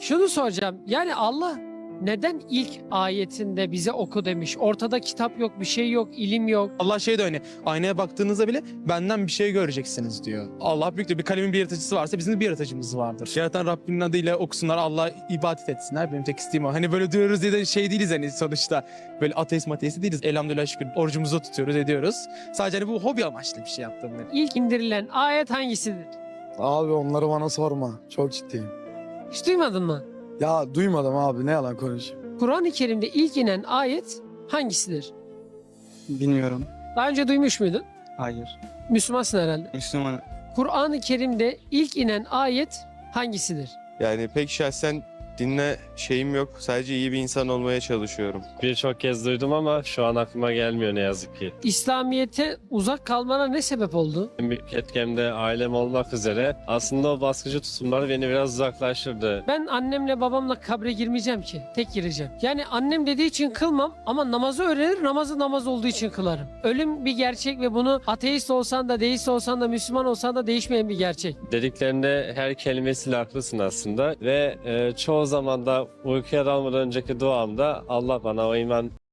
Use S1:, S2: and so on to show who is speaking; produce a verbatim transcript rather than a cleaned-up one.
S1: Şunu soracağım. Yani Allah neden ilk ayetinde bize oku demiş? Ortada kitap yok, bir şey yok, ilim yok.
S2: Allah şey de öyle, aynaya baktığınızda bile benden bir şey göreceksiniz diyor. Allah büyüktür. Bir kalemin bir yaratıcısı varsa bizim de bir yaratıcımız vardır. Yaratan Rabbinin adıyla okusunlar, Allah'a ibadet etsinler. Benim tek isteğim o. Hani böyle diyoruz diye de şey değiliz hani sonuçta. Böyle ateist mateist değiliz. Elhamdülillah şükür orucumuzu tutuyoruz, ediyoruz. Sadece hani bu hobi amaçlı bir şey yaptım ben.
S1: İlk indirilen ayet hangisidir?
S3: Abi onları bana sorma. Çok ciddiyim.
S1: Hiç duymadın mı?
S3: Ya duymadım abi, ne yalan konuşayım.
S1: Kur'an-ı Kerim'de ilk inen ayet hangisidir?
S4: Bilmiyorum.
S1: Daha önce duymuş muydun?
S4: Hayır.
S1: Müslümansın herhalde.
S4: Müslüman.
S1: Kur'an-ı Kerim'de ilk inen ayet hangisidir?
S5: Yani pek şahsen dinle şeyim yok. Sadece iyi bir insan olmaya çalışıyorum.
S6: Birçok kez duydum ama şu an aklıma gelmiyor ne yazık ki.
S1: İslamiyet'e uzak kalmana ne sebep oldu?
S6: En büyük etkem de ailem olmak üzere aslında o baskıcı tutumlar beni biraz uzaklaştırdı.
S1: Ben annemle babamla kabre girmeyeceğim ki. Tek gireceğim. Yani annem dediği için kılmam ama namazı öğrenir, namazı namaz olduğu için kılarım. Ölüm bir gerçek ve bunu ateist olsan da, deist olsan da, Müslüman olsan da değişmeyen bir gerçek.
S6: Dediklerinde her kelimesiyle haklısın aslında ve e, çoğu zaman da uykuya dalmadan önceki duamda Allah bana o iman